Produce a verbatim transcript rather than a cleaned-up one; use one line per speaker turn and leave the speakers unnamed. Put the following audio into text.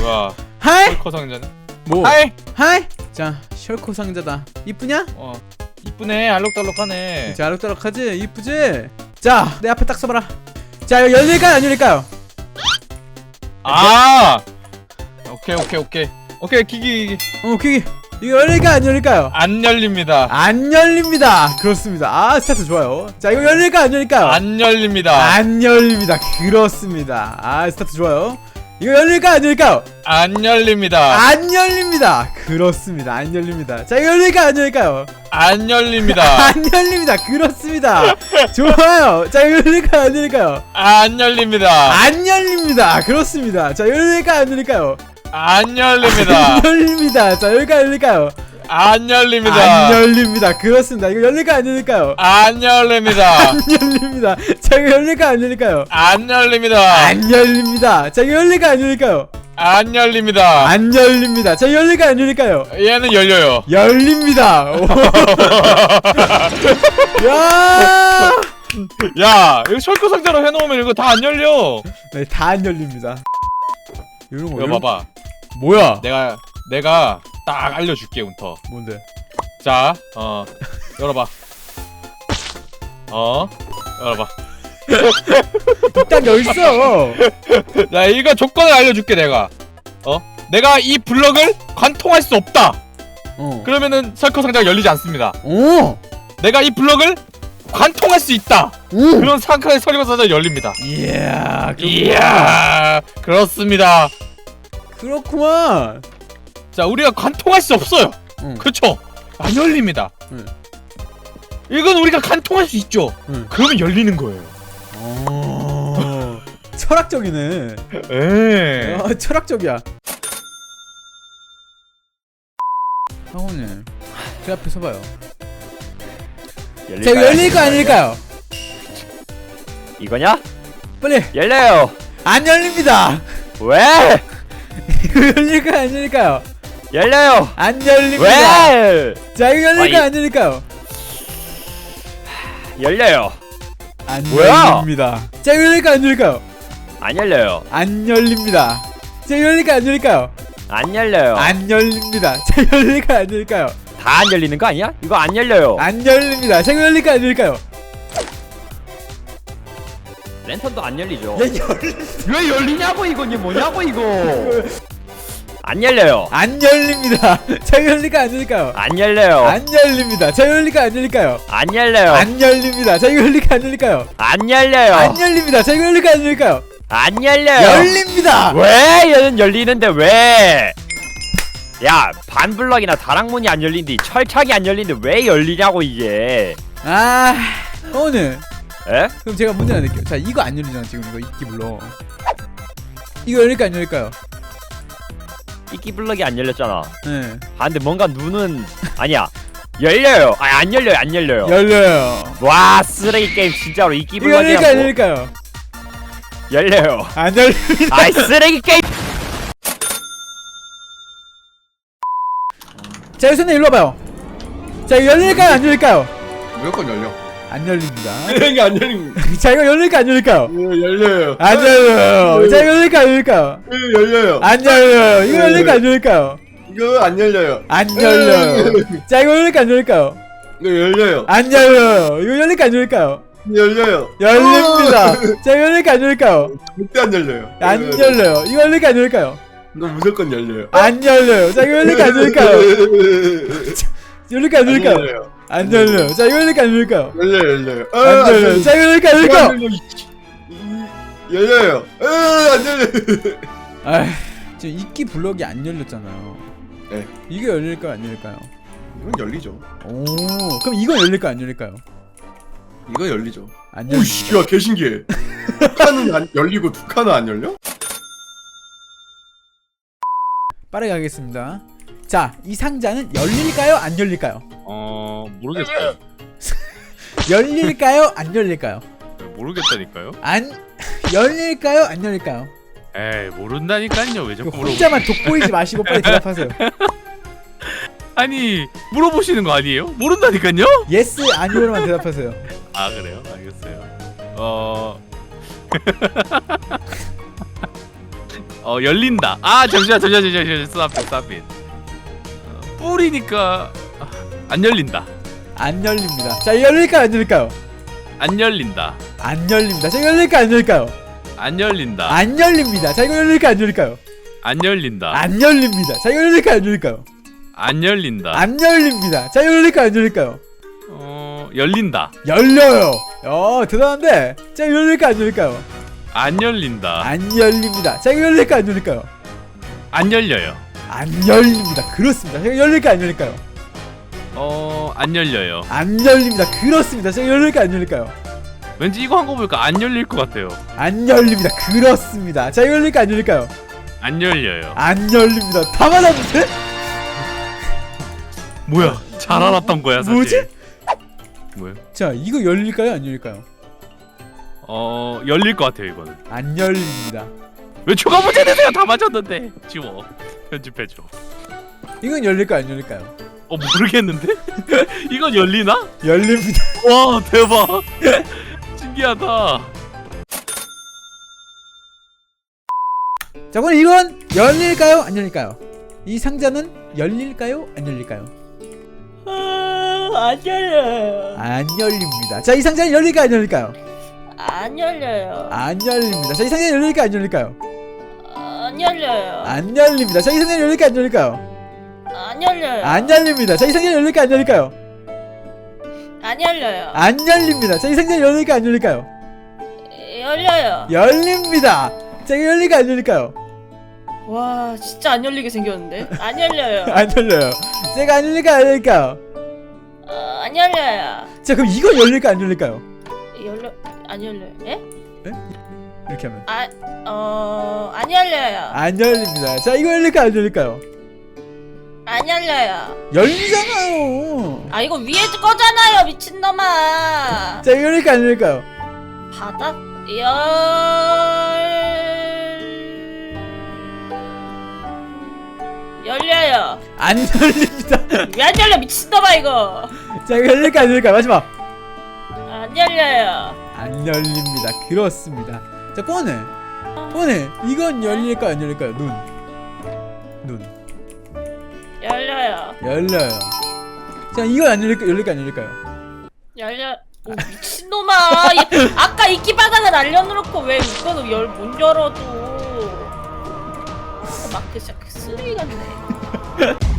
와.
하이.
셜커 상자네.
뭐?
하이.
하이. 자, 셜코 상자다. 이쁘냐?
어. 이쁘네. 알록달록하네.
자, 알록달록하지? 이쁘지? 자, 내 앞에 딱 써봐라. 자, 이거 열릴까요? 안 열릴까요?
아. 오케이 오케이 오케이. 오케이 기기.
어, 기기. 이거 열릴까요? 안 열릴까요?
안 열립니다.
안 열립니다. 그렇습니다. 아, 스타트 좋아요. 자, 이거 열릴까요? 안 열릴까요?
안 열립니다.
안 열립니다. 그렇습니다. 아, 스타트 좋아요. 이거 열릴까요? 안 열릴까요?
안 열립니다.
안 열립니다. 그렇습니다. 안 열립니다. 자, 이거 열릴까요? 안 열릴까요?
안 열립니다.
안 열립니다. 그렇습니다. 좋아요. 자, 이거 열릴까요? 안 열릴까요?
안 열립니다.
안 열립니다. 그렇습니다. 자, 열릴까요? 안 열릴까요?
안 열립니다.
안 열립니다. 자, 열릴까요? 안 열릴까요?
안 열립니다.
안 열립니다. 그렇습니다. 이거 열릴까요? 안 열릴까요?
안 열립니다.
안 열립니다. 자, 이거 열릴까요? 안 열릴까요?
안 열립니다.
안 열립니다. 자, 이거 열릴까요? 안 열릴까요?
안 열립니다.
안 열립니다. 자, 열릴까요? 안 열릴까요?
얘는 열려요.
열립니다. 야!
야, 이거 철거 상자로 해놓으면 이거 다 안 열려.
네, 다 안 열립니다. 이런 거.
이거
이런...
봐봐.
뭐야?
내가 내가 딱 알려줄게 운터.
뭔데?
자, 어, 열어봐. 어, 열어봐.
딱 열있어.
자, 이거 조건을 알려줄게 내가. 어, 내가 이 블럭을 관통할 수 없다.
어.
그러면은 철거 상자가 열리지 않습니다.
오.
내가 이 블럭을 관통할 수 있다.
오.
그런 상황에 철거 상자가 열립니다.
이야.
이야, 그렇습니다.
그렇구만.
자, 우리가 관통할 수 없어요.
응.
그렇죠? 안 열립니다.
응.
이건 우리가 관통할 수 있죠.
응.
그러면 열리는 거예요.
오. 철학적이네.
에.
아, 철학적이야. 상호님, 제 앞에 서봐요. 자, 이거 열릴까요? 안 열릴까요?
이거냐?
빨리.
열려요.
안 열립니다.
왜?
이거 열릴까요? 안 열릴까요?
열려요.
안 열립니다.
왜?
자, 이거 열릴까요?
아이.
안 열릴까요?
열려요.
안
뭐야?
열립니다. 자, 이거 열릴까요? 안 열릴까요?
안 열려요.
안 열립니다. 자, 이거 열릴까요? 안 열릴까요?
안 열려요.
안 열립니다. 자, 이거 열릴까요? 안 열릴까요?
다 안 열리는 거 아니야? 이거 안 열려요.
안 열립니다. 자, 이거 열릴까요? 안 열릴까요?
랜턴도 안 열리죠.
야, 열...
왜 열리냐고 이거 이게 뭐냐고 이거. 안 열려요.
안 열립니다. 자, 이거 열릴까요? 안 열릴까요?
안 열려요.
안 열립니다. 자, 이거 열릴까요? 안 열릴까요?
안 열려요.
안 열립니다. 자, 이거 열릴까요? 안 열릴까요?
안 열려요.
안 열립니다. 자, 이거 열릴까요? 안 열릴까요?
안 열려요.
열립니다.
왜 얘는 열리는데 왜? 야, 반블럭이나 다락문이 안 열린데 철창이 안 열리는데 왜 열리냐고 이게.
아, 오늘
에?
그럼 제가 문제 내릴게요. 자, 이거 안 열리잖아 지금. 이거 이끼 불러. 이거 열릴까요? 안 열릴까요?
이끼 블럭이 안 열렸잖아.
네.
아 근데 뭔가 눈은 아니야. 열려요. 아 안 열려요. 안 열려요.
열려요.
와 쓰레기 게임 진짜로 이끼
이거 열릴까요? 안
블럭이랑 뭐
열릴까요?
열려요.
안 열립니다.
아이 쓰레기 게임.
자, 유선님 일로 와봐요. 자, 이거 열릴까요? 안 열릴까요?
무조건 열려.
안 열립니다.
이게 안 열림.
자, 이거 열릴까요? 안 열릴까요?
열려요.
안 열려요. 자, 이거 열릴까요? 안 열릴까요?
열려요.
안 열려요. 이거 열릴까요? 안 열릴까요?
이거 안 열려요.
안 열려요. 자, 이거 열릴까요? 안 열릴까요?
이거 열려요.
안 열려요. 이거 열릴까요? 안 열릴까요?
열려요.
열립니다. 자, 이거 열릴까요? 안 열릴까요?
절대 안 열려요.
안 열려요. 이거 열릴까요? 안 열릴까요?
이거 무조건 열려요.
안 열려요. 자, 이거 열릴까요? 안 열릴까요? 열릴까요? 안 열릴까요? 안 열려요. 자, 이거 열릴까요? 안 열릴까요?
열려요, 열려요. 아,
안 열려요. 자, 이거 열릴까요? 안 열릴까요?
열려요. 아, 안 열려요.
아, 지금 이끼 블럭이 안 열렸잖아요.
네.
이게 열릴까요? 안 열릴까요?
이건 열리죠.
오, 그럼 이건 열릴까요? 안 열릴까요?
이거 열리죠.
안 열립니다.
오씨, 야, 개신기해. 두 칸은 안 열리고 두 칸은 안 열려?
빠르게 가겠습니다. 자, 이 상자는 열릴까요? 안 열릴까요?
어, 모르겠어요.
열릴까요? 안 열릴까요?
모르겠다니까요.
안 열릴까요? 안 열릴까요?
에이, 모른다니까요. 왜 자꾸 물어보?
혼자만 돋보이지 마시고 빨리 대답하세요.
아니, 물어보시는 거 아니에요? 모른다니까요.
예스 아니오로만 대답하세요.
아 그래요? 알겠어요. 어,
어 열린다. 아 잠시만 잠시만 잠시만 스탑 스탑. 어, 뿌리니까 아, 안 열린다.
안 열립니다. 자, 이거 열릴까요? 안 열릴까요?
안 열린다.
안 열립니다. 자, 이거 열릴까요? 안 열릴까요?
안 열린다.
안 열립니다. 자, 이거 열릴까요? 안 열릴까요?
안 열린다.
안 열립니다. 자, 이거 열릴까요? 안 열릴까요?
안 열린다.
안 열립니다. 자, 이거 열릴까요? 안 열릴까요?
어 열린다.
열려요. 어, 대단한데. 자, 이거 열릴까요? 안 열릴까요?
안 열린다.
안 열립니다. 자, 이거 열릴까요? 안 열릴까요?
안 열려요.
안 열립니다. 그렇습니다. 자, 이거 열릴까요? 안 열릴까요?
어 안 열려요.
안 열립니다. 그렇습니다. 자, 이거 열릴까요? 안 열릴까요?
왠지 이거 한 거 보니까 안 열릴 것 같아요.
안 열립니다. 그렇습니다. 자, 이거 열릴까요? 안 열릴까요?
안 열려요.
안 열립니다. 다 맞았는데?
뭐야? 잘 알았던 거야 사실.
뭐지?
뭐야?
자, 이거 열릴까요? 안 열릴까요?
어 열릴 것 같아요 이거는.
안 열립니다.
왜 추가 문제 내세요? 다 맞았는데. 지워. 편집해줘.
이건 열릴까요? 안 열릴까요?
어 모르겠는데? 이건 열리나?
열립니다.
와 대박. 신기하다.
자, 그럼 이건 열릴까요? 안 열릴까요? 이 상자는 열릴까요? 안 열릴까요?
안 열려요.
안 열립니다. 자, 이 상자는 열릴까요? 안 열릴까요?
안 열려요.
안 열립니다. 자, 이 상자는 열릴까요? 안 열릴까요?
안 열려요.
안 열립니다. 자, 이 상자는 열릴까요? 안 열릴까요?
안 열려요.
안 열립니다. 자, 이 상자는 열릴까요? 안 열릴까요?
안 열려요.
안 열립니다. 자, 이 상자는 열릴까요? 안 열릴까요?
열려요.
열립니다. 자, 이거 열릴까요? 안 열릴까요?
와, 진짜 안 열리게 생겼는데. 안 열려요.
안 열려요. 제가 안 열릴까요? 안 열릴까요?
어, 안 열려요.
자, 그럼 이거 열릴까요? 안 열릴까요?
열려 안 열려요. 예?
이렇게 하면
아, 어, 안 열려요.
안 열립니다. 자, 이거 열릴까요? 안 열릴까요?
안 열려요.
열리잖아요.
아, 이거 위에 거잖아요, 미친놈아.
자, 이거 열릴까요? 안 열릴까요?
바닥 열 열려요.
안 열립니다.
왜 안 열려, 미친놈아 이거.
자, 이거 열릴까요? 안 열릴까요? 마지막.
안 열려요.
안 열립니다. 그렇습니다. 자, 뽀네. 뽀네. 이건 열릴까요? 안 열릴까요? 눈. 눈.
열려요.
열려요. 자, 이건 안 열릴까요? 열릴까요? 안 열릴까요?
열려. 오, 미친놈아. 얘, 아까 이끼 바닥을 날려놓고 왜 이거는 열, 못 열어도. 아, 마크 샤크 쓰레기 같네.